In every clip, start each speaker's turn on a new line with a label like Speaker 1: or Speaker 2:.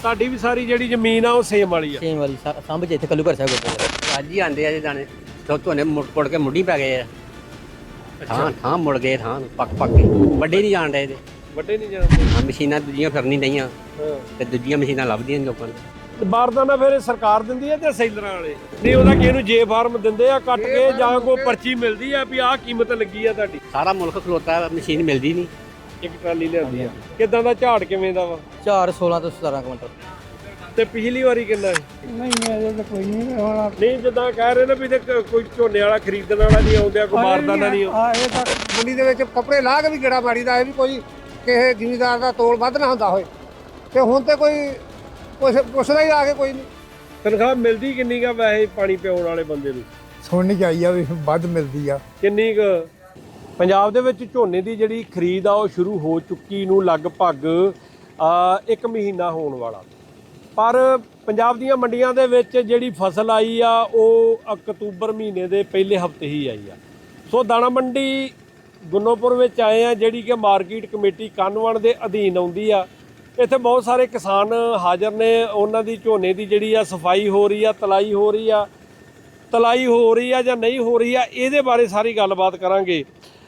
Speaker 1: ਤੁਹਾਡੀ ਵੀ ਸਾਰੀ ਜਿਹੜੀ ਜ਼ਮੀਨ ਆ ਉਹ ਸੇਮ ਵਾਲੀ ਆ?
Speaker 2: ਸੇਮ ਵਾਲੀ ਸੰਭ ਚ ਇੱਥੇ ਕੱਲੂ ਘਰ ਸਾਹਿਬ ਗੁਰਦੁਆਰਾ।
Speaker 3: ਅੱਜ ਹੀ ਆਂਦੇ ਆ ਜੀ ਦਾਣੇ ਝੋਨੇ ਮੁੜ ਕੇ ਮੁੱਢੀ ਪੈ ਗਏ ਆ। ਥਾਂ ਮੁੜ ਗਏ, ਥਾਂ ਪੱਕ ਕੇ ਵੱਡੇ ਨਹੀਂ ਜਾਣ ਰਹੇ ਇਹਦੇ।
Speaker 1: ਵੱਡੇ ਨਹੀਂ ਜਾਂਦੇ?
Speaker 3: ਹਾਂ, ਮਸ਼ੀਨਾਂ ਦੂਜੀਆਂ ਫਿਰਨੀ ਡਈਆਂ
Speaker 1: ਹਾਂ,
Speaker 3: ਤੇ ਦੂਜੀਆਂ ਮਸ਼ੀਨਾਂ ਲੱਭਦੀਆਂ ਨੀ ਲੋਕਾਂ ਨੂੰ।
Speaker 1: ਬਾਰਦਾਨਾ ਫਿਰ ਇਹ ਸਰਕਾਰ ਦਿੰਦੀ ਹੈ ਜਾਂ ਸੈਲਰਾਂ ਵਾਲੇ? ਨਹੀਂ, ਉਹਦਾ ਕਿਸੇ ਨੂੰ ਜੇ ਫਾਰਮ ਦਿੰਦੇ ਆ ਕੱਟ ਕੇ ਜਾਂ ਕੋਈ ਪਰਚੀ ਮਿਲਦੀ ਆ ਵੀ ਆਹ ਕੀਮਤ ਲੱਗੀ ਆ ਤੁਹਾਡੀ?
Speaker 3: ਸਾਰਾ ਮੁਲਕ ਖਲੋਤਾ, ਮਸ਼ੀਨ ਮਿਲਦੀ ਨਹੀਂ।
Speaker 1: ਇੱਕ ਟਰਾਲੀ ਲਿਆਂਦੀ ਆ। ਕਿੱਦਾਂ ਦਾ ਝਾੜ ਕਿਵੇਂ ਦਾ ਵਾ?
Speaker 2: 16 ਤੋਂ 17 ਕੁਇੰਟਲ।
Speaker 1: ਤੇ ਪਿਛਲੀ ਵਾਰੀ ਕਿੰਨਾ ਹੈ?
Speaker 4: ਨਹੀਂ ਅਜੇ ਤਾਂ ਕੋਈ ਨਹੀਂ ਹੋਣਾ।
Speaker 1: ਨਹੀਂ, ਜਿੱਦਾਂ ਕਹਿ ਰਹੇ ਨੇ ਵੀ ਤੇ ਕੋਈ ਝੋਨੇ ਵਾਲਾ ਖਰੀਦਣ ਵਾਲਾ ਨਹੀਂ ਆਉਂਦਾ, ਕੋਈ ਬਾਰਦਾਨਾ ਨਹੀਂ ਆਉਂਦਾ।
Speaker 4: ਇਹ ਤਾਂ ਮੰਡੀ ਦੇ ਵਿੱਚ ਕੱਪੜੇ ਲਾ ਕੇ ਵੀ ਗੇੜਾ ਮਾਰੀ ਦਾ ਇਹ ਵੀ ਕੋਈ ਕਿਸੇ ਜ਼ਿਮੀਦਾਰ ਦਾ ਤੋਲ ਵੱਧ ਨਾ ਹੁੰਦਾ ਹੋਏ। ਤੇ ਹੁਣ ਤੇ ਕੋਈ ਪੁੱਛਦਾ ਹੀ ਆ ਕੇ ਕੋਈ ਨਹੀਂ।
Speaker 1: ਤਨਖਾਹ ਮਿਲਦੀ ਕਿੰਨੀ ਕਾ ਵੈਸੇ ਪਾਣੀ ਪਿਆਉਣ ਵਾਲੇ ਬੰਦੇ ਨੂੰ?
Speaker 4: ਸੁਣਨੀ ਚਾਹੀਦੀ ਆ ਵੀ ਵੱਧ ਮਿਲਦੀ ਆ।
Speaker 1: ਕਿੰਨੀ ਕੁ? ਪੰਜਾਬ ਦੇ ਵਿੱਚ ਝੋਨੇ ਦੀ ਜਿਹੜੀ ਖਰੀਦ ਆ ਉਹ ਸ਼ੁਰੂ ਹੋ ਚੁੱਕੀ ਨੂੰ ਲਗਭਗ 1 ਮਹੀਨਾ ਹੋਣ ਵਾਲਾ, ਪਰ ਪੰਜਾਬ ਦੀਆਂ ਮੰਡੀਆਂ ਦੇ ਵਿੱਚ ਜਿਹੜੀ ਫਸਲ ਆਈ ਆ ਉਹ ਅਕਤੂਬਰ ਮਹੀਨੇ ਦੇ ਪਹਿਲੇ ਹਫਤੇ ਹੀ ਆਈ ਆ। ਸੋ ਦਾਣਾ ਮੰਡੀ ਗੁੰਨੋਪੁਰ ਵਿੱਚ ਆਏ ਆ, ਜਿਹੜੀ ਕਿ ਮਾਰਕੀਟ ਕਮੇਟੀ ਕੰਨਵਣ ਦੇ ਅਧੀਨ ਆਉਂਦੀ ਆ। ਇੱਥੇ ਬਹੁਤ ਸਾਰੇ ਕਿਸਾਨ ਹਾਜ਼ਰ ਨੇ। ਉਹਨਾਂ ਦੀ ਝੋਨੇ ਦੀ ਜਿਹੜੀ ਆ ਸਫਾਈ ਹੋ ਰਹੀ ਆ, ਤਲਾਈ ਹੋ ਰਹੀ ਆ ਜਾਂ ਨਹੀਂ ਹੋ ਰਹੀ ਆ, ਇਹਦੇ ਬਾਰੇ ਸਾਰੀ ਗੱਲਬਾਤ ਕਰਾਂਗੇ।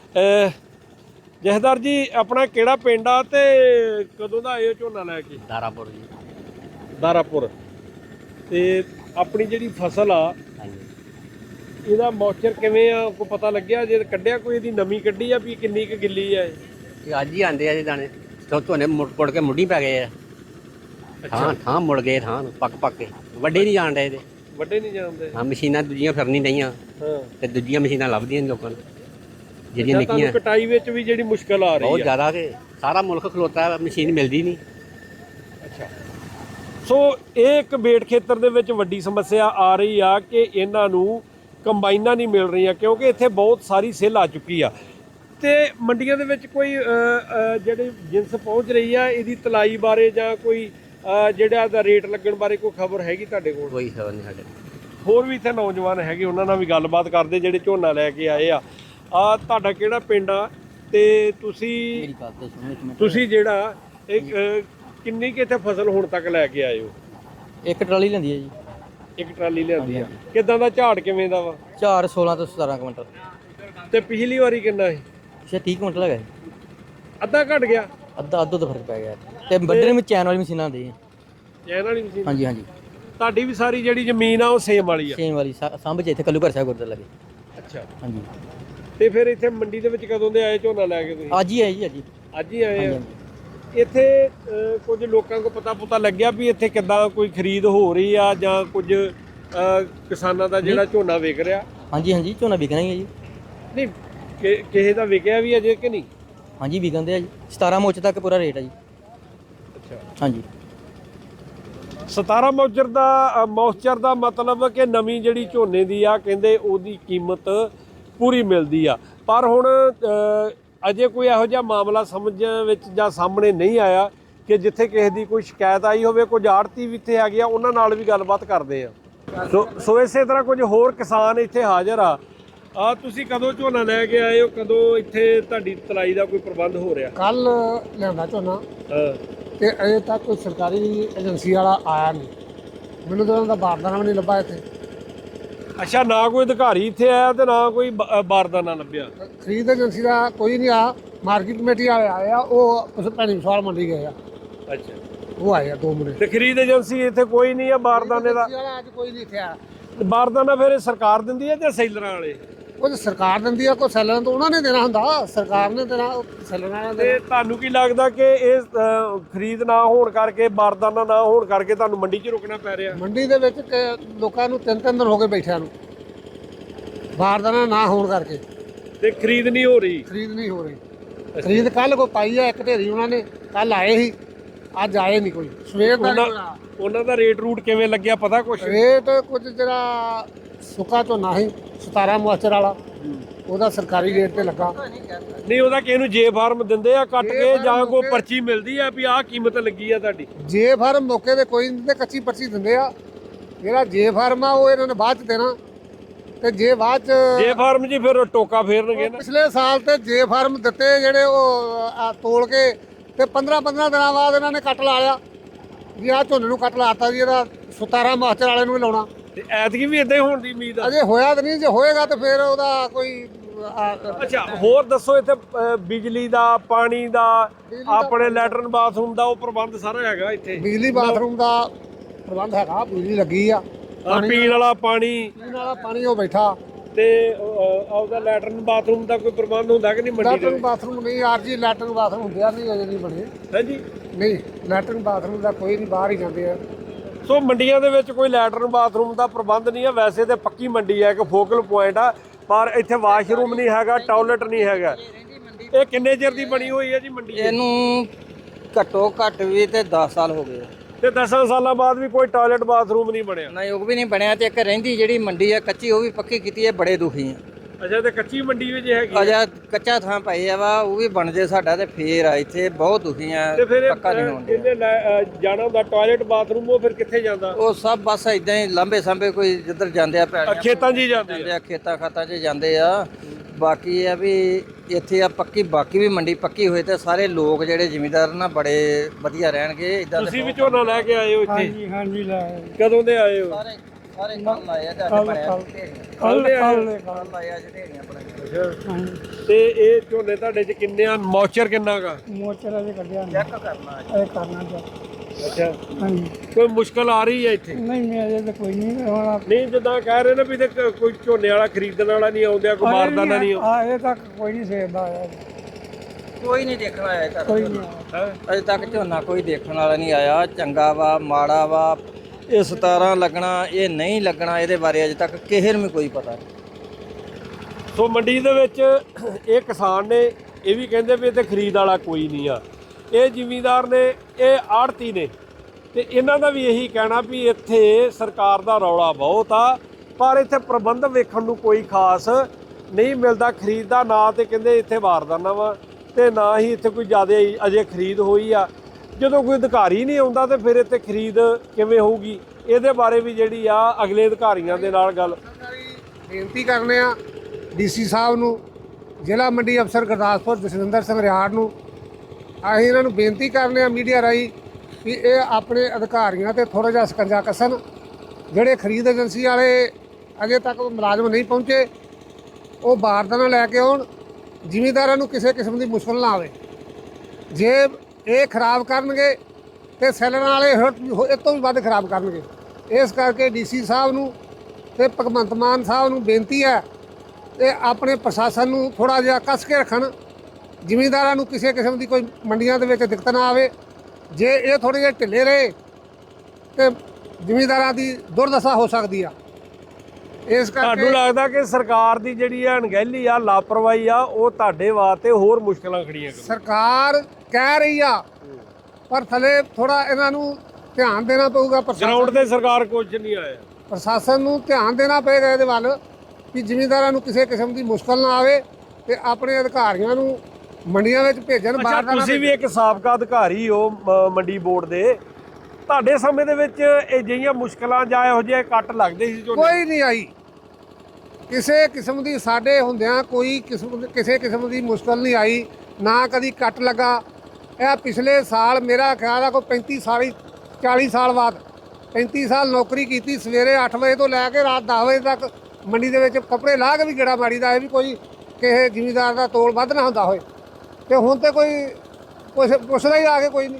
Speaker 1: ਜਹਦਰ ਜੀ, ਆਪਣਾ ਕਿਹੜਾ ਪਿੰਡ ਆ ਤੇ ਕਦੋਂ ਦਾ ਆਏ ਹੋ ਝੋਨਾ ਲੈ ਕੇ?
Speaker 3: ਦਾਰਾਪੁਰ ਜੀ।
Speaker 1: ਦਾਰਾਪੁਰ। ਤੇ ਆਪਣੀ ਜਿਹੜੀ ਫਸਲ ਆ ਇਹਦਾ ਮੌਚਰ ਕਿਵੇਂ ਆ, ਕੋਈ ਪਤਾ ਲੱਗਿਆ? ਜੇ ਕੱਢਿਆ ਕੋਈ ਇਹਦੀ ਨਵੀਂ ਕੱਢੀ ਆ ਵੀ ਕਿੰਨੀ ਕੁ ਗਿੱਲੀ ਆ?
Speaker 3: ਇਹ ਅੱਜ ਹੀ ਆਂਦੇ ਆ ਜੀ ਦਾਣੇ ਝੋਨੇ ਮੁੜ ਕੇ ਮੁੱਢੀ ਪੈ ਗਏ ਆ। ਥਾਂ ਮੁੜ ਗਏ, ਥਾਂ ਪੱਕ ਕੇ ਵੱਡੇ ਨਹੀਂ ਜਾਣ ਰਹੇ ਇਹਦੇ।
Speaker 1: ਵੱਡੇ ਨਹੀਂ ਜਾਂਦੇ?
Speaker 3: ਹਾਂ, ਮਸ਼ੀਨਾਂ ਦੂਜੀਆਂ ਫਿਰਨੀ ਡਈਆਂ
Speaker 1: ਹਾਂ,
Speaker 3: ਤੇ ਦੂਜੀਆਂ ਮਸ਼ੀਨਾਂ ਲੱਭਦੀਆਂ ਨੀ ਲੋਕਾਂ ਨੂੰ, ਜਿਹੜੀਆਂ
Speaker 1: ਤੁਹਾਨੂੰ
Speaker 3: ਨਿੱਕੀਆਂ।
Speaker 1: ਕਟਾਈ ਵਿੱਚ ਵੀ ਜਿਹੜੀ ਮੁਸ਼ਕਲ ਆ ਰਹੀ
Speaker 3: ਬਹੁਤ
Speaker 1: ਆ?
Speaker 3: ਜ਼ਿਆਦਾ ਕਿ ਸਾਰਾ ਮੁਲਕ ਖਲੋਤਾ, ਮਸ਼ੀਨ ਮਿਲਦੀ ਨਹੀਂ।
Speaker 1: ਅੱਛਾ। ਸੋ ਇਹ ਇੱਕ ਬੇਟ ਖੇਤਰ ਦੇ ਵਿੱਚ ਵੱਡੀ ਸਮੱਸਿਆ ਆ ਰਹੀ ਆ ਕਿ ਇਹਨਾਂ ਨੂੰ ਕੰਬਾਈਨਾਂ ਨਹੀਂ ਮਿਲ ਰਹੀਆਂ, ਕਿਉਂਕਿ ਇੱਥੇ ਬਹੁਤ ਸਾਰੀ ਸਿੱਲ ਆ ਚੁੱਕੀ ਆ। ਤੇ ਮੰਡੀਆਂ ਦੇ ਵਿੱਚ ਕੋਈ ਜਿਹੜੀ ਜਿੰਸ ਪਹੁੰਚ ਰਹੀ ਆ ਇਹਦੀ ਤਲਾਈ ਬਾਰੇ ਜਾਂ ਕੋਈ ਜਿਹੜਾ ਦਾ ਰੇਟ ਲੱਗਣ ਬਾਰੇ ਕੋਈ ਖਬਰ ਹੈਗੀ ਤੁਹਾਡੇ ਕੋਲ?
Speaker 3: ਕੋਈ ਖਬਰ ਨਹੀਂ ਸਾਡੇ।
Speaker 1: ਹੋਰ ਵੀ ਇੱਥੇ ਨੌਜਵਾਨ ਹੈਗੇ, ਉਹਨਾਂ ਨਾਲ ਵੀ ਗੱਲਬਾਤ ਕਰਦੇ ਜਿਹੜੇ ਝੋਨਾ ਲੈ ਕੇ ਆਏ ਆ। ਤੁਹਾਡਾ ਕਿਹੜਾ ਪਿੰਡ ਆ ਤੇ ਤੁਸੀਂ ਜਿਹੜਾ ਕਿੰਨੀ ਕਿ ਇੱਥੇ ਫਸਲ ਹੁਣ ਤੱਕ ਲੈ ਕੇ ਆਏ ਹੋ?
Speaker 2: ਇੱਕ ਟਰਾਲੀ ਲੈਂਦੀ ਹੈ ਜੀ।
Speaker 1: ਇੱਕ ਟਰਾਲੀ ਲਿਆਂਦੀ ਆ। ਕਿੱਦਾਂ ਦਾ ਝਾੜ ਕਿਵੇਂ ਦਾ ਵਾ?
Speaker 2: 16 ਤੋਂ 17 ਕੁਇੰਟਲ।
Speaker 1: ਤੇ ਪਿਛਲੀ ਵਾਰੀ ਕਿੰਨਾ ਸੀ?
Speaker 2: 30 ਕੁਇੰਟਲ ਹੈਗਾ ਜੀ।
Speaker 1: ਅੱਧਾ ਘਟ ਗਿਆ?
Speaker 2: ਅੱਧਾ ਤੋਂ ਫਰਕ ਪੈ ਗਿਆ। ਤੇ ਵੱਢਣ ਵਿੱਚ ਚੈਨ ਵਾਲੀ ਮਸ਼ੀਨਾਂ ਆਉਂਦੀਆਂ।
Speaker 1: ਚੈਨ ਵਾਲੀ ਮਸ਼ੀਨ?
Speaker 2: ਹਾਂਜੀ ਹਾਂਜੀ।
Speaker 1: ਤੁਹਾਡੀ ਵੀ ਸਾਰੀ ਜਿਹੜੀ ਜ਼ਮੀਨ ਆ ਉਹ ਸੇਮ ਵਾਲੀ ਆ?
Speaker 2: ਸੇਮ ਵਾਲੀ ਸੰਭ ਚ ਇੱਥੇ ਕੱਲੂ ਘਰ ਸਾਹਿਬ ਗੁਰਦੁਆਰਾ ਲੱਗੇ।
Speaker 1: ਅੱਛਾ।
Speaker 2: ਹਾਂਜੀ।
Speaker 1: ਤੇ ਫਿਰ ਇੱਥੇ ਮੰਡੀ ਦੇ ਵਿੱਚ ਕਦੋਂ ਦੇ ਆਏ ਝੋਨਾ ਲੈ ਕੇ ਤੁਸੀਂ?
Speaker 2: ਅੱਜ ਹੀ ਆਏ ਜੀ।
Speaker 1: ਅੱਜ ਹੀ ਆਏ ਆ। ਇੱਥੇ ਕੁਝ ਲੋਕਾਂ ਨੂੰ ਪਤਾ ਲੱਗਿਆ ਵੀ ਇੱਥੇ ਕਿੱਦਾਂ ਕੋਈ ਖਰੀਦ ਹੋ ਰਹੀ ਆ ਜਾਂ ਕੁਝ ਕਿਸਾਨਾਂ ਦਾ ਜਿਹੜਾ ਝੋਨਾ ਵਿਕ ਰਿਹਾ?
Speaker 2: ਹਾਂਜੀ, ਝੋਨਾ ਵਿਕਣਾ ਹੀ ਹੈ ਜੀ।
Speaker 1: ਨਹੀਂ, ਕਿਸੇ ਦਾ ਵਿਕਿਆ ਵੀ ਅਜੇ ਕਿ ਨਹੀਂ?
Speaker 2: ਹਾਂਜੀ, ਵਿਕਣਦੇ ਆ ਜੀ। 17 ਮੁੱਚ ਤੱਕ ਪੂਰਾ ਰੇਟ ਆ ਜੀ।
Speaker 1: ਅੱਛਾ।
Speaker 2: ਹਾਂਜੀ।
Speaker 1: 17 ਮੌਚਰ ਦਾ ਮਤਲਬ ਕਿ ਨਵੀਂ ਜਿਹੜੀ ਝੋਨੇ ਦੀ ਆ ਕਹਿੰਦੇ ਉਹਦੀ ਕੀਮਤ ਪੂਰੀ ਮਿਲਦੀ ਆ। ਪਰ ਹੁਣ ਅਜੇ ਕੋਈ ਇਹੋ ਜਿਹਾ ਮਾਮਲਾ ਸਮਝ ਵਿੱਚ ਜਾਂ ਸਾਹਮਣੇ ਨਹੀਂ ਆਇਆ ਕਿ ਜਿੱਥੇ ਕਿਸੇ ਦੀ ਕੋਈ ਸ਼ਿਕਾਇਤ ਆਈ ਹੋਵੇ। ਕੁਝ ਆੜਤੀ ਵੀ ਇੱਥੇ ਹੈਗੇ ਆ, ਉਹਨਾਂ ਨਾਲ ਵੀ ਗੱਲਬਾਤ ਕਰਦੇ ਆ। ਸੋ ਇਸੇ ਤਰ੍ਹਾਂ ਕੁਝ ਹੋਰ ਕਿਸਾਨ ਇੱਥੇ ਹਾਜ਼ਰ ਆ। ਤੁਸੀਂ ਕਦੋਂ ਝੋਨਾ ਲੈ ਕੇ ਆਏ ਹੋ? ਕਦੋਂ ਇੱਥੇ ਤੁਹਾਡੀ ਤਲਾਈ ਦਾ ਕੋਈ ਪ੍ਰਬੰਧ ਹੋ ਰਿਹਾ?
Speaker 4: ਕੱਲ ਲਿਆਂਦਾ ਝੋਨਾ ਤੇ ਅਜੇ ਤੱਕ ਕੋਈ ਸਰਕਾਰੀ ਏਜੰਸੀ ਵਾਲਾ ਆਇਆ ਨਹੀਂ। ਮੈਨੂੰ ਤਾਂ ਉਹਨਾਂ ਦਾ ਬਾਰਦਾਨਾ ਵੀ ਨਹੀਂ ਲੱਭਾ ਇੱਥੇ।
Speaker 1: ਅੱਛਾ, ਨਾ ਕੋਈ ਅਧਿਕਾਰੀ ਇੱਥੇ ਆਇਆ ਤੇ ਨਾ ਕੋਈ ਬਾਰਦਾਨਾ ਲੱਭਿਆ?
Speaker 4: ਖਰੀਦ ਏਜੰਸੀ ਦਾ ਕੋਈ ਨਹੀਂ ਆ। ਮਾਰਕੀਟ ਕਮੇਟੀ ਵਾਲੇ ਆਏ ਆ, ਉਹ ਉਸ ਭੈਣੀ ਵਿਸ਼ਵਾਲ ਮੰਡੀ ਗਏ ਆ।
Speaker 1: ਅੱਛਾ।
Speaker 4: ਉਹ ਆਏ ਆ 2 ਮੁੰਡੇ।
Speaker 1: ਤੇ ਖਰੀਦ ਏਜੰਸੀ ਇੱਥੇ ਕੋਈ ਨਹੀਂ ਆ ਬਾਰਦਾਨੇ ਦਾ?
Speaker 4: ਅੱਜ ਕੋਈ ਨਹੀਂ ਇੱਥੇ ਆ।
Speaker 1: ਬਾਰਦਾਨਾ ਫਿਰ ਇਹ ਸਰਕਾਰ ਦਿੰਦੀ ਹੈ ਜਾਂ ਸੈਲਰਾਂ ਵਾਲੇ?
Speaker 4: ਉਹ ਤਾਂ ਸਰਕਾਰ ਦਿੰਦੀ ਆ, ਕੋਈ ਸੈਲਰਾਂ ਤੋਂ ਉਹਨਾਂ ਨੇ ਦੇਣਾ ਹੁੰਦਾ। ਸਰਕਾਰ ਨੇ ਦੇਣਾ, ਸੈਲਰਾਂ ਨੇ
Speaker 1: ਤੇ
Speaker 4: ਦੇਣਾ।
Speaker 1: ਤੁਹਾਨੂੰ ਕੀ ਲੱਗਦਾ ਕਿ ਇਹ ਖਰੀਦ ਨਾ ਹੋਣ ਕਰਕੇ, ਬਾਰਦਾਨਾ ਨਾ ਹੋਣ ਕਰਕੇ ਤੁਹਾਨੂੰ ਮੰਡੀ 'ਚ ਰੁਕਣਾ ਪੈ ਰਿਹਾ?
Speaker 4: ਮੰਡੀ ਦੇ ਵਿੱਚ ਲੋਕਾਂ ਨੂੰ 3 ਦਿਨ ਹੋ ਗਏ ਬੈਠਿਆਂ ਨੂੰ, ਬਾਰਦਾਨਾ ਨਾ ਹੋਣ ਕਰਕੇ।
Speaker 1: ਤੇ ਖਰੀਦ ਨਹੀਂ ਹੋ ਰਹੀ?
Speaker 4: ਖਰੀਦ ਨਹੀਂ ਹੋ ਰਹੀ। ਖਰੀਦ ਕੱਲ ਕੋ ਪਾਈ ਆ ਇੱਕ ਢੇਰੀ, ਉਹਨਾਂ ਨੇ ਕੱਲ ਆਏ ਸੀ, ਅੱਜ ਆਏ ਨਹੀਂ ਕੋਈ। ਸਵੇਰ ਦਾ
Speaker 1: ਉਹਨਾਂ ਦਾ ਰੇਟ ਰੂਟ ਕਿਵੇਂ ਲੱਗਿਆ ਪਤਾ ਕੁਛ?
Speaker 4: ਰੇਟ ਕੁਝ ਜਿਹੜਾ ਸੁੱਕਾ ਝੋਨਾ ਸੀ 17 ਮੁਆਚਰ ਵਾਲਾ, ਉਹਦਾ ਸਰਕਾਰੀ ਰੇਟ ਤੇ ਲੱਗਾ।
Speaker 1: ਨਹੀਂ, ਉਹਦਾ ਕਿਸੇ ਨੂੰ ਜੇ ਫਾਰਮ ਦਿੰਦੇ ਆ ਕੱਟ ਕੇ ਜਾਂ ਕੋਈ ਪਰਚੀ ਮਿਲਦੀ ਆ ਵੀ ਆਹ ਕੀਮਤ ਲੱਗੀ ਆ ਤੁਹਾਡੀ?
Speaker 4: ਜੇ ਫਾਰਮ ਮੌਕੇ ਤੇ ਕੋਈ ਨਹੀਂ, ਤੇ ਕੱਚੀ ਪਰਚੀ ਦਿੰਦੇ ਆ। ਜਿਹੜਾ ਜੇ ਫਾਰਮ ਆ ਉਹ ਇਹਨਾਂ ਨੇ ਬਾਅਦ ਚ ਦੇਣਾ। ਤੇ ਜੇ ਬਾਅਦ ਚ
Speaker 1: ਜੇ ਫਾਰਮ ਜੀ ਫਿਰ ਟੋਕਾ ਫੇਰਨਗੇ ਨਾ।
Speaker 4: ਪਿਛਲੇ ਸਾਲ ਤੇ ਜੇ ਫਾਰਮ ਦਿੱਤੇ ਜਿਹੜੇ ਉਹ ਤੋਲ ਕੇ ਤੇ 15 ਦਿਨਾਂ ਬਾਅਦ ਇਹਨਾਂ ਨੇ ਕੱਟ ਲਾ ਲਿਆ ਵੀ ਆਹ ਝੋਨੇ ਨੂੰ ਕੱਟ ਲਾਤਾ ਜੀ, ਇਹਦਾ 17 ਮਾਸਟਰ ਵਾਲੇ ਨੂੰ ਵੀ ਲਾਉਣਾ।
Speaker 1: ਤੇ ਐਤਕੀ ਵੀ ਇਦਾਂ ਹੀ ਹੋਣ ਦੀ ਉਮੀਦ ਆ?
Speaker 4: ਅਜੇ ਹੋਇਆ ਤਾਂ ਨਹੀਂ, ਜੇ ਹੋਏਗਾ ਤਾਂ ਫਿਰ ਉਹਦਾ ਕੋਈ
Speaker 1: ਅੱਛਾ, ਹੋਰ ਦੱਸੋ ਇੱਥੇ ਬਿਜਲੀ ਦਾ, ਪਾਣੀ ਦਾ, ਆਪਣੇ ਲੈਟਰਨ ਬਾਥਰੂਮ ਦਾ ਉਹ ਪ੍ਰਬੰਧ ਸਾਰਾ ਹੈਗਾ ਇੱਥੇ?
Speaker 4: ਬਿਜਲੀ ਬਾਥਰੂਮ ਦਾ ਪ੍ਰਬੰਧ ਹੈਗਾ, ਬਿਜਲੀ ਲੱਗੀ ਆ,
Speaker 1: ਪੀਣ ਵਾਲਾ ਪਾਣੀ
Speaker 4: ਉਹ ਬੈਠਾ।
Speaker 1: ਤੇ ਆਪਦਾ ਲੈਟਰਨ ਬਾਥਰੂਮ ਦਾ ਕੋਈ ਪ੍ਰਬੰਧ ਹੁੰਦਾ ਕਿ ਨਹੀਂ ਮੰਡੀ ਦੇ?
Speaker 4: ਲੈਟਰਨ ਬਾਥਰੂਮ ਨਹੀਂ ਯਾਰ ਜੀ, ਲੈਟਰਨ ਬਾਥਰੂਮ ਹੁੰਦਿਆ ਨਹੀਂ, ਅਜੇ ਨਹੀਂ ਬਣੇ।
Speaker 1: ਹਾਂਜੀ,
Speaker 4: ਨਹੀਂ, ਲੈਟਰਨ ਬਾਥਰੂਮ ਦਾ ਕੋਈ ਨਹੀਂ, ਬਾਹਰ ਹੀ ਜਾਂਦੇ ਆ।
Speaker 1: ਸੋ ਮੰਡੀਆਂ ਦੇ ਵਿੱਚ ਕੋਈ ਲੈਟਰਨ ਬਾਥਰੂਮ ਦਾ ਪ੍ਰਬੰਧ ਨਹੀਂ ਆ। ਵੈਸੇ ਤੇ ਪੱਕੀ ਮੰਡੀ ਹੈ, ਇੱਕ ਫੋਕਲ ਪੁਆਇੰਟ ਆ, ਪਰ ਇੱਥੇ ਵਾਸ਼ਰੂਮ ਨਹੀਂ ਹੈਗਾ, ਟਾਇਲਟ ਨਹੀਂ ਹੈਗਾ। ਇਹ ਕਿੰਨੇ ਚਿਰ ਦੀ ਬਣੀ ਹੋਈ ਹੈ ਜੀ ਮੰਡੀ?
Speaker 2: ਇਹਨੂੰ ਘੱਟੋ ਘੱਟ ਵੀ ਤੇ 10 ਸਾਲ ਹੋ ਗਏ
Speaker 1: ਤੇ 10 ਸਾਲਾਂ ਬਾਅਦ ਵੀ ਕੋਈ ਟਾਇਲਟ ਬਾਥਰੂਮ ਨਹੀਂ ਬਣਿਆ?
Speaker 2: ਨਹੀਂ, ਉਹ ਵੀ ਨਹੀਂ ਬਣਿਆ। ਤੇ ਇੱਕ ਰਹਿੰਦੀ ਜਿਹੜੀ ਮੰਡੀ ਆ ਕੱਚੀ, ਉਹ ਵੀ ਪੱਕੀ ਕੀਤੀ ਹੈ, ਬੜੇ ਦੁਖੀ ਆ।
Speaker 1: ਅੱਛਾ, ਤੇ ਕੱਚੀ ਮੰਡੀ ਵਿੱਚ ਹੈਗੀ
Speaker 2: ਅਜਾ ਕੱਚਾ ਥਾਂ ਪਈ ਆ ਵਾ, ਉਹ ਵੀ ਬਣ ਜੇ ਸਾਡਾ ਤੇ ਫੇਰ ਆ। ਇੱਥੇ ਬਹੁਤ ਦੁਖੀ ਆ,
Speaker 1: ਤੇ ਫਿਰ
Speaker 2: ਪੱਕਾ ਨਹੀਂ ਹੋਣ ਡਿਆ।
Speaker 1: ਇਹਨੇ ਜਾਣਾ ਹੁੰਦਾ ਟਾਇਲਟ ਬਾਥਰੂਮ, ਉਹ ਫਿਰ ਕਿੱਥੇ ਜਾਂਦਾ?
Speaker 2: ਉਹ ਸਭ ਬਸ ਇਦਾਂ ਹੀ ਲਾਂਬੇ ਸਾਂਬੇ, ਕੋਈ ਜਿੱਧਰ ਜਾਂਦੇ ਆ ਪੈਲੀਆਂ
Speaker 1: ਖੇਤਾਂ 'ਚ ਹੀ ਜਾਂਦੇ
Speaker 2: ਆ, ਖੇਤਾਂ ਖਾਤਾਂ 'ਚ ਜਾਂਦੇ ਆ। ਬਾਕੀ ਇਹ ਆ ਵੀ ਇੱਥੇ ਆ ਪੱਕੀ, ਬਾਕੀ ਵੀ ਮੰਡੀ ਪੱਕੀ ਹੋਏ ਤੇ ਸਾਰੇ ਲੋਕ ਜਿਹੜੇ ਜ਼ਿਮੀਂਦਾਰ ਨਾ ਬੜੇ ਵਧੀਆ ਰਹਿਣਗੇ। ਇਦਾਂ
Speaker 1: ਤੁਸੀਂ ਵੀ ਝੋਨਾ ਲੈ ਕੇ ਆਏ ਹੋ ਇੱਥੇ?
Speaker 4: ਹਾਂਜੀ ਹਾਂਜੀ, ਲੈ
Speaker 1: ਕਦੋਂ ਦੇ ਆਏ ਹੋ?
Speaker 2: ਸਾਰੇ ਸਾਰੇ ਕੱਲ ਆਏ ਆ, ਤੇ ਅੱਜ ਬਣਿਆ
Speaker 1: ਕੱਲ ਦੇ ਆਏ ਹੋ?
Speaker 2: ਕੱਲ ਆਏ ਆ ਜਿਹੜੀਆਂ ਬਣਾਈਆਂ।
Speaker 1: ਅੱਛਾ, ਤੇ ਇਹ ਝੋਨੇ ਤੁਹਾਡੇ 'ਚ ਕਿੰਨੇ ਆ? ਮੌਚਰ ਕਿੰਨਾ ਗਾ?
Speaker 4: ਮੋਚਰ ਅਜੇ ਕੱਢਿਆ
Speaker 2: ਚੈੱਕ ਕਰਨਾ
Speaker 4: ਇਹ ਕਰਨਾ ਜੀ।
Speaker 1: ਅੱਛਾ,
Speaker 4: ਹਾਂਜੀ,
Speaker 1: ਕੋਈ ਮੁਸ਼ਕਲ ਆ ਰਹੀ ਹੈ ਇੱਥੇ?
Speaker 4: ਨਹੀਂ ਅਜੇ ਤਾਂ ਕੋਈ ਨਹੀਂ ਹੋਣਾ।
Speaker 1: ਨਹੀਂ, ਜਿੱਦਾਂ ਕਹਿ ਰਹੇ ਨੇ ਵੀ ਤੇ ਕੋਈ ਝੋਨੇ ਵਾਲਾ ਖਰੀਦਣ ਵਾਲਾ ਨਹੀਂ ਆਉਂਦਾ, ਕੋਈ ਬਾਰਦਾਨਾ ਨਹੀਂ ਆਉਂਦਾ?
Speaker 4: ਇਹ ਤੱਕ ਕੋਈ ਨਹੀਂ ਸੇਰਦਾ ਆਇਆ,
Speaker 2: ਕੋਈ ਨਹੀਂ ਦੇਖਣ ਆਇਆ ਘਰ।
Speaker 4: ਕੋਈ ਨਹੀਂ ਆਇਆ।
Speaker 1: ਹੈਂ?
Speaker 2: ਅਜੇ ਤੱਕ ਝੋਨਾ ਕੋਈ ਦੇਖਣ ਵਾਲਾ ਨਹੀਂ ਆਇਆ। ਚੰਗਾ ਵਾ ਮਾੜਾ ਵਾ, ਇਹ 17 ਲੱਗਣਾ, ਇਹ ਨਹੀਂ ਲੱਗਣਾ, ਇਹਦੇ ਬਾਰੇ ਅਜੇ ਤੱਕ ਕਿਸੇ ਨੂੰ ਵੀ ਕੋਈ ਪਤਾ ਨਹੀਂ।
Speaker 1: ਸੋ ਮੰਡੀ ਦੇ ਵਿੱਚ ਇਹ ਕਿਸਾਨ ਨੇ ਇਹ ਵੀ ਕਹਿੰਦੇ ਵੀ ਇੱਥੇ ਖਰੀਦ ਵਾਲਾ ਕੋਈ ਨਹੀਂ ਆ। ਇਹ ਜ਼ਿਮੀਂਦਾਰ ਨੇ, ਇਹ ਆੜਤੀ ਨੇ, ਤੇ ਇਹਨਾਂ ਦਾ ਵੀ ਇਹੀ ਕਹਿਣਾ ਵੀ ਇੱਥੇ ਸਰਕਾਰ ਦਾ ਰੌਲਾ ਬਹੁਤ ਆ, ਪਰ ਇੱਥੇ ਪ੍ਰਬੰਧ ਵੇਖਣ ਨੂੰ ਕੋਈ ਖਾਸ ਨਹੀਂ ਮਿਲਦਾ ਖਰੀਦ ਦਾ। ਨਾ ਤੇ ਕਹਿੰਦੇ ਇੱਥੇ ਬਾਰਦਾਨਾ ਵਾ, ਤੇ ਨਾ ਹੀ ਇੱਥੇ ਕੋਈ ਜ਼ਿਆਦਾ ਅਜੇ ਖਰੀਦ ਹੋਈ ਆ। ਜਦੋਂ ਕੋਈ ਅਧਿਕਾਰੀ ਨਹੀਂ ਆਉਂਦਾ ਤੇ ਫਿਰ ਇੱਥੇ ਖਰੀਦ ਕਿਵੇਂ ਹੋਊਗੀ? ਇਹਦੇ ਬਾਰੇ ਵੀ ਜਿਹੜੀ ਆ ਅਗਲੇ ਅਧਿਕਾਰੀਆਂ ਦੇ ਨਾਲ ਗੱਲ
Speaker 4: ਬੇਨਤੀ ਕਰਨੇ ਆ ਡੀਸੀ ਸਾਹਿਬ ਨੂੰ, ਜ਼ਿਲ੍ਹਾ ਮੰਡੀ ਅਫਸਰ ਗੁਰਦਾਸਪੁਰ ਜਸਵਿੰਦਰ ਸਿੰਘ ਰਿਆੜ ਨੂੰ। ਅਸੀਂ ਇਹਨਾਂ ਨੂੰ ਬੇਨਤੀ ਕਰਨੇ ਆ ਮੀਡੀਆ ਰਾਹੀਂ ਵੀ ਇਹ ਆਪਣੇ ਅਧਿਕਾਰੀਆਂ ਤੇ ਥੋੜ੍ਹਾ ਜਿਹਾ ਸਕੰਜਾ ਕੱਸਣ। ਜਿਹੜੇ ਖਰੀਦ ਏਜੰਸੀ ਵਾਲੇ ਅਜੇ ਤੱਕ ਮੁਲਾਜ਼ਮ ਨਹੀਂ ਪਹੁੰਚੇ, ਉਹ ਬਾਰਦਾਨਾ ਲੈ ਕੇ ਆਉਣ, ਜ਼ਿਮੀਂਦਾਰਾਂ ਨੂੰ ਕਿਸੇ ਕਿਸਮ ਦੀ ਮੁਸ਼ਕਲ ਨਾ ਆਵੇ। ਜੇ ਇਹ ਖਰਾਬ ਕਰਨਗੇ ਤੇ ਸੈਲਰਾਂ ਵਾਲੇ ਇਹ ਤੋਂ ਵੀ ਵੱਧ ਖਰਾਬ ਕਰਨਗੇ। ਇਸ ਕਰਕੇ ਡੀਸੀ ਸਾਹਿਬ ਨੂੰ ਤੇ ਭਗਵੰਤ ਮਾਨ ਸਾਹਿਬ ਨੂੰ ਬੇਨਤੀ ਹੈ ਤੇ ਆਪਣੇ ਪ੍ਰਸ਼ਾਸਨ ਨੂੰ ਥੋੜ੍ਹਾ ਜਿਹਾ ਕੱਸ ਕੇ ਰੱਖਣ, ਜ਼ਿਮੀਂਦਾਰਾਂ ਨੂੰ ਕਿਸੇ ਕਿਸਮ ਦੀ ਕੋਈ ਮੰਡੀਆਂ ਦੇ ਵਿੱਚ ਦਿੱਕਤ ਨਾ ਆਵੇ। ਜੇ ਇਹ ਥੋੜ੍ਹੇ ਜਿਹੇ ਢਿੱਲੇ ਰਹੇ ਤੇ ਜ਼ਿਮੀਂਦਾਰਾਂ ਦੀ ਦੁਰਦਸ਼ਾ ਹੋ ਸਕਦੀ ਆ। ਇਸ
Speaker 1: ਤੁਹਾਨੂੰ
Speaker 4: ਕਰਕੇ
Speaker 1: ਲੱਗਦਾ ਕਿ ਸਰਕਾਰ ਦੀ ਜਿਹੜੀ ਆ ਅਣਗਹਿਲੀ ਆ, ਲਾਪਰਵਾਹੀ ਆ, ਉਹ ਤੁਹਾਡੇ ਵਾਸਤੇ ਹੋਰ ਮੁਸ਼ਕਲਾਂ ਖੜੀਆਂ ਕਰੂ?
Speaker 4: ਸਰਕਾਰ ਕਹਿ ਰਹੀ ਆ, ਪਰ ਥੱਲੇ ਥੋੜਾ ਇਹਨਾਂ ਨੂੰ ਧਿਆਨ ਦੇਣਾ ਪਊਗਾ।
Speaker 1: ਗਰਾਊਂਡ ਤੇ ਸਰਕਾਰ ਕੁਝ ਨਹੀਂ ਆਇਆ।
Speaker 4: ਪ੍ਰਸ਼ਾਸਨ ਨੂੰ ਧਿਆਨ ਦੇਣਾ ਪਏਗਾ ਇਹਦੇ ਵੱਲ ਕਿ ਜ਼ਿਮੀਂਦਾਰਾਂ ਨੂੰ ਕਿਸੇ ਕਿਸਮ ਦੀ ਮੁਸ਼ਕਲ ਨਾ ਆਵੇ ਤੇ ਆਪਣੇ ਅਧਿਕਾਰੀਆਂ ਨੂੰ ਮੰਡੀਆਂ ਵਿੱਚ ਭੇਜਣ।
Speaker 1: ਅੱਛਾ, ਤੁਸੀਂ ਵੀ ਇੱਕ ਸਾਬਕਾ ਅਧਿਕਾਰੀ ਹੋ ਮੰਡੀ ਬੋਰਡ ਦੇ, ਤੁਹਾਡੇ ਸਮੇਂ ਦੇ ਵਿੱਚ ਇਹ ਜਿਹੀਆਂ ਮੁਸ਼ਕਲਾਂ ਜਾਂ ਇਹੋ ਜਿਹੇ ਕੱਟ ਲੱਗਦੇ ਸੀ ਝੋਨੇ?
Speaker 4: ਕੋਈ ਨਹੀਂ ਆਈ ਕਿਸੇ ਕਿਸਮ ਦੀ, ਸਾਡੇ ਹੁੰਦਿਆਂ ਕੋਈ ਕਿਸੇ ਕਿਸਮ ਦੀ ਮੁਸ਼ਕਲ ਨਹੀਂ ਆਈ, ਨਾ ਕਦੀ ਕੱਟ ਲੱਗਾ। ਇਹ ਪਿਛਲੇ ਸਾਲ ਮੇਰਾ ਖਿਆਲ ਆ ਕੋਈ 35 ਸਾਲ 40 ਸਾਲ ਬਾਅਦ 35 ਸਾਲ ਨੌਕਰੀ ਕੀਤੀ। ਸਵੇਰੇ 8 ਵਜੇ ਤੋਂ ਲੈ ਕੇ ਰਾਤ 10 ਵਜੇ ਤੱਕ ਮੰਡੀ ਦੇ ਵਿੱਚ ਕੱਪੜੇ ਲਾਹ ਕੇ ਵੀ ਗੇੜਾ ਮਾਰੀਦਾ ਹੈ ਵੀ ਕੋਈ ਕਿਸੇ ਜ਼ਿਮੀਂਦਾਰ ਦਾ ਤੋਲ ਵੱਧ ਨਾ ਹੁੰਦਾ ਹੋਏ। ਤੇ ਹੁਣ ਤੇ ਕੋਈ ਪੁੱਛਦਾ ਹੀ ਆ ਕੇ ਕੋਈ ਨਹੀਂ।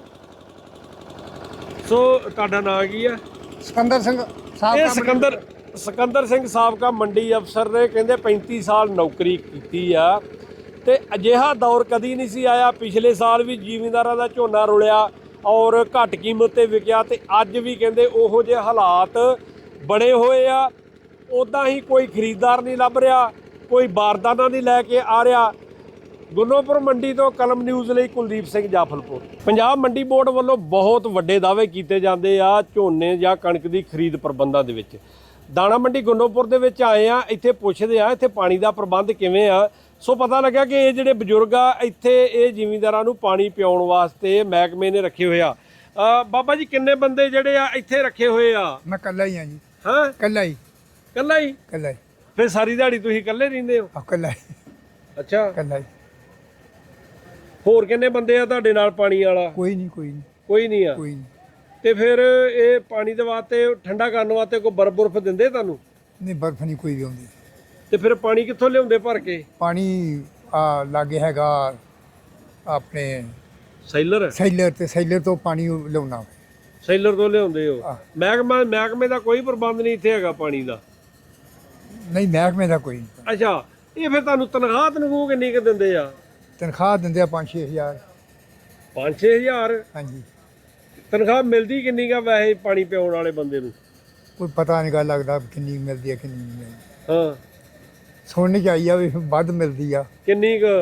Speaker 1: ਸੋ ਤੁਹਾਡਾ ਨਾਂ ਕੀ ਆ?
Speaker 4: ਸਿਕੰਦਰ ਸਿੰਘ ਸਾਹਿਬ
Speaker 1: ਇਹ ਸਿਕੰਦਰ ਸਿੰਘ ਸਾਬਕਾ ਮੰਡੀ ਅਫਸਰ ਨੇ ਕਹਿੰਦੇ 35 ਸਾਲ ਨੌਕਰੀ ਕੀਤੀ ਆ ਤੇ ਅਜਿਹਾ ਦੌਰ ਕਦੀ ਨਹੀਂ ਸੀ ਆਇਆ। ਪਿਛਲੇ ਸਾਲ ਵੀ ਜ਼ਿਮੀਂਦਾਰਾਂ ਦਾ ਝੋਨਾ ਰੁਲਿਆ ਔਰ ਘੱਟ ਕੀਮਤ ਤੇ ਵਿਕਿਆ, ਤੇ ਅੱਜ ਵੀ ਕਹਿੰਦੇ ਉਹੋ ਜਿਹੇ ਹਾਲਾਤ ਬਣੇ ਹੋਏ ਆ। ਉੱਦਾਂ ਹੀ ਕੋਈ ਖਰੀਦਦਾਰ ਨਹੀਂ ਲੱਭ ਰਿਹਾ, ਕੋਈ ਬਾਰਦਾਨਾ ਨਹੀਂ ਲੈ ਕੇ ਆ ਰਿਹਾ। ਗੁਰਨੋਪੁਰ ਮੰਡੀ ਤੋਂ ਕਲਮ ਨਿਊਜ਼ ਲਈ ਕੁਲਦੀਪ ਸਿੰਘ ਜਾਫਲਪੁਰ। ਪੰਜਾਬ ਮੰਡੀ ਬੋਰਡ ਵੱਲੋਂ ਬਹੁਤ ਵੱਡੇ ਦਾਅਵੇ ਕੀਤੇ ਜਾਂਦੇ ਆ ਝੋਨੇ ਜਾਂ ਕਣਕ ਦੀ ਖਰੀਦ ਪ੍ਰਬੰਧਾਂ ਦੇ ਵਿੱਚ। ਦਾਣਾ ਮੰਡੀ ਗੁਰਨੋਪੁਰ ਦੇ ਵਿੱਚ ਆਏ ਆ, ਇੱਥੇ ਪੁੱਛਦੇ ਆ ਇੱਥੇ ਪਾਣੀ ਦਾ ਪ੍ਰਬੰਧ ਕਿਵੇਂ ਆ। ਸੋ ਪਤਾ ਲੱਗਾ ਕਿ ਇਹ ਜਿਹੜੇ ਬਜ਼ੁਰਗ ਆ ਇੱਥੇ ਇਹ ਜ਼ਿਮੀਂਦਾਰਾਂ ਨੂੰ ਪਾਣੀ ਪਿਆਉਣ ਵਾਸਤੇ ਮਹਿਕਮੇ ਨੇ ਰੱਖੇ ਹੋਏ ਆ। ਬਾਬਾ ਜੀ, ਕਿੰਨੇ ਬੰਦੇ ਜਿਹੜੇ ਆ ਇੱਥੇ ਰੱਖੇ ਹੋਏ ਆ?
Speaker 4: ਮੈਂ ਇਕੱਲਾ ਹੀ ਹਾਂ ਜੀ।
Speaker 1: ਹਾਂ,
Speaker 4: ਇਕੱਲਾ ਹੀ
Speaker 1: ਇਕੱਲਾ ਹੀ? ਫਿਰ ਸਾਰੀ ਦਿਹਾੜੀ ਤੁਸੀਂ ਇਕੱਲੇ ਰਹਿੰਦੇ ਹੋ?
Speaker 4: ਇਕੱਲਾ ਹੀ
Speaker 1: ਅੱਛਾ,
Speaker 4: ਇਕੱਲਾ ਹੀ।
Speaker 1: ਹੋਰ ਕਿੰਨੇ ਬੰਦੇ ਆ ਤੁਹਾਡੇ ਨਾਲ ਪਾਣੀ ਵਾਲਾ?
Speaker 4: ਕੋਈ ਨਹੀਂ
Speaker 1: ਕੋਈ ਨਹੀਂ ਆ।
Speaker 4: ਕੋਈ ਨਹੀਂ।
Speaker 1: ਤੇ ਫਿਰ ਇਹ ਪਾਣੀ ਦੇ ਵਾਸਤੇ ਠੰਡਾ ਕਰਨ ਵਾਸਤੇ ਕੋਈ ਬਰਫ਼ ਦਿੰਦੇ ਤੁਹਾਨੂੰ?
Speaker 5: ਨਹੀਂ ਬਰਫ਼ ਨਹੀਂ ਕੋਈ ਵੀ ਆਉਂਦੀ।
Speaker 1: ਤੇ ਫਿਰ ਪਾਣੀ ਕਿੱਥੋਂ ਲਿਆਉਂਦੇ ਭਰ ਕੇ?
Speaker 5: ਪਾਣੀ ਆ ਲਾਗੇ ਹੈਗਾ ਆਪਣੇ
Speaker 1: ਸੈਲਰ?
Speaker 5: ਸੈਲਰ, ਤੇ ਸੈਲਰ ਤੋਂ ਪਾਣੀ ਲਿਆਉਣਾ।
Speaker 1: ਸੈਲਰ ਤੋਂ ਲਿਆਉਂਦੇ ਹੋ?
Speaker 5: ਆਹ।
Speaker 1: ਮਹਿਕਮੇ ਦਾ ਕੋਈ ਪ੍ਰਬੰਧ ਨਹੀਂ ਇੱਥੇ ਹੈਗਾ ਪਾਣੀ ਦਾ?
Speaker 5: ਨਹੀਂ ਮਹਿਕਮੇ ਦਾ ਕੋਈ ਨਹੀਂ।
Speaker 1: ਅੱਛਾ, ਇਹ ਫਿਰ ਤੁਹਾਨੂੰ ਤਨਖਾਹ ਕਿੰਨੀ ਕੁ ਦਿੰਦੇ ਆ?
Speaker 5: ਤਨਖਾਹ ਦਿੰਦੇ ਆ 5-6 ਹਜ਼ਾਰ।
Speaker 1: 5-6 ਹਜ਼ਾਰ?
Speaker 5: ਹਾਂਜੀ।
Speaker 1: ਤਨਖਾਹ ਮਿਲਦੀ ਕਿੰਨੀ ਕਾ ਵੈਸੇ ਪਾਣੀ ਪਿਆਉਣ ਵਾਲੇ ਬੰਦੇ ਨੂੰ?
Speaker 5: ਕੋਈ ਪਤਾ ਨਹੀਂ ਗਾ ਲੱਗਦਾ ਕਿੰਨੀ ਮਿਲਦੀ ਹੈ ਕਿੰਨੀ ਨਹੀਂ ਮਿਲਦੀ।
Speaker 1: ਹਾਂ,
Speaker 5: ਸੁਣਨ ਚ ਆਈ ਆ ਵੀ ਵੱਧ ਮਿਲਦੀ ਆ।
Speaker 1: ਕਿੰਨੀ ਕੁ?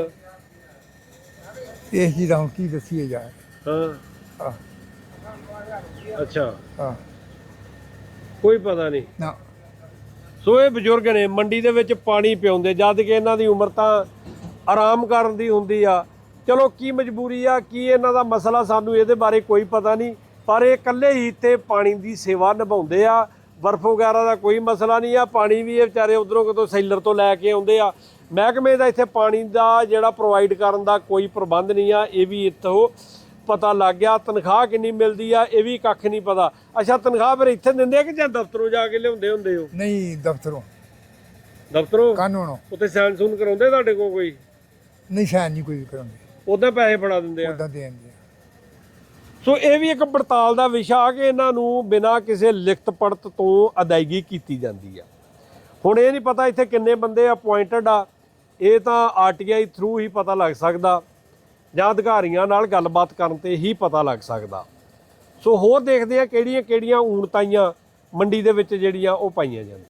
Speaker 5: ਇਸ ਚੀਜ਼ ਦਾ ਹੁਣ ਕੀ ਦੱਸੀਏ ਯਾਰ।
Speaker 1: ਹਾਂ,
Speaker 5: ਆਹ,
Speaker 1: ਅੱਛਾ,
Speaker 5: ਆਹ,
Speaker 1: ਕੋਈ ਪਤਾ ਨਹੀਂ।
Speaker 5: ਨਾ
Speaker 1: ਸੋ ਇਹ ਬਜ਼ੁਰਗ ਨੇ ਮੰਡੀ ਦੇ ਵਿੱਚ ਪਾਣੀ ਪਿਆਉਂਦੇ, ਜਦ ਕਿ ਇਹਨਾਂ ਦੀ ਉਮਰ ਤਾਂ ਆਰਾਮ ਕਰਨ ਦੀ ਹੁੰਦੀ ਆ। ਚਲੋ ਕੀ ਮਜਬੂਰੀ ਆ, ਕੀ ਇਹਨਾਂ ਦਾ ਮਸਲਾ, ਸਾਨੂੰ ਇਹਦੇ ਬਾਰੇ ਕੋਈ ਪਤਾ ਨਹੀਂ, ਪਰ ਇਹ ਇਕੱਲੇ ਹੀ ਇੱਥੇ ਪਾਣੀ ਦੀ ਸੇਵਾ ਨਿਭਾਉਂਦੇ ਆ। ਬਰਫ਼ ਵਗੈਰਾ ਦਾ ਕੋਈ ਮਸਲਾ ਨਹੀਂ ਆ, ਪਾਣੀ ਵੀ ਇਹ ਵਿਚਾਰੇ ਉਧਰੋਂ ਕਿਤੋਂ ਸੈਲਰ ਤੋਂ ਲੈ ਕੇ ਆਉਂਦੇ ਆ। ਮਹਿਕਮੇ ਦਾ ਇੱਥੇ ਪਾਣੀ ਦਾ ਜਿਹੜਾ ਪ੍ਰੋਵਾਈਡ ਕਰਨ ਦਾ ਕੋਈ ਪ੍ਰਬੰਧ ਨਹੀਂ ਆ, ਇਹ ਵੀ ਇੱਥੋਂ ਪਤਾ ਲੱਗ ਗਿਆ। ਤਨਖਾਹ ਕਿੰਨੀ ਮਿਲਦੀ ਆ ਇਹ ਵੀ ਕੱਖ ਨਹੀਂ ਪਤਾ। ਅੱਛਾ, ਤਨਖਾਹ ਫਿਰ ਇੱਥੇ ਦਿੰਦੇ ਆ ਕਿ ਜਾਂ ਦਫ਼ਤਰੋਂ ਜਾ ਕੇ ਲਿਆਉਂਦੇ ਹੁੰਦੇ ਹੋ?
Speaker 5: ਨਹੀਂ ਦਫ਼ਤਰੋਂ
Speaker 1: ਦਫ਼ਤਰੋਂ
Speaker 5: ਕਾਨੂੰਨੋਂ
Speaker 1: ਉੱਥੇ ਸਾਈਨ ਸੂਨ ਕਰਾਉਂਦੇ ਤੁਹਾਡੇ ਕੋਲ ਕੋਈ?
Speaker 5: ਨਹੀਂ ਸ਼ਾਇਦ ਨਹੀਂ ਕੋਈ ਕਰਾਉਂਦੇ,
Speaker 1: ਉਹਦੇ ਪੈਸੇ ਫੜਾ ਦਿੰਦੇ ਆ?
Speaker 5: ਉੱਦਾਂ ਦੇ ਦਿੰਦੇ ਆ।
Speaker 1: ਸੋ ਇਹ ਵੀ ਇੱਕ ਪੜਤਾਲ ਦਾ ਵਿਸ਼ਾ ਆ ਕਿ ਇਹਨਾਂ ਨੂੰ ਬਿਨਾਂ ਕਿਸੇ ਲਿਖਤ ਪੜਤ ਤੋਂ ਅਦਾਇਗੀ ਕੀਤੀ ਜਾਂਦੀ ਆ। ਹੁਣ ਇਹ ਨਹੀਂ ਪਤਾ ਇੱਥੇ ਕਿੰਨੇ ਬੰਦੇ ਅਪੁਆਇੰਟਡ ਆ, ਇਹ ਤਾਂ ਆਰਟੀਆਈ ਥਰੂ ਹੀ ਪਤਾ ਲੱਗ ਸਕਦਾ ਜਾਂ ਅਧਿਕਾਰੀਆਂ ਨਾਲ ਗੱਲਬਾਤ ਕਰਨ ਤੇ ਹੀ ਪਤਾ ਲੱਗ ਸਕਦਾ। ਸੋ ਹੋਰ ਦੇਖਦੇ ਆ ਕਿਹੜੀਆਂ ਊਣਤਾਈਆਂ ਮੰਡੀ ਦੇ ਵਿੱਚ ਜਿਹੜੀਆਂ ਉਹ ਪਾਈਆਂ ਜਾਂਦੀਆਂ।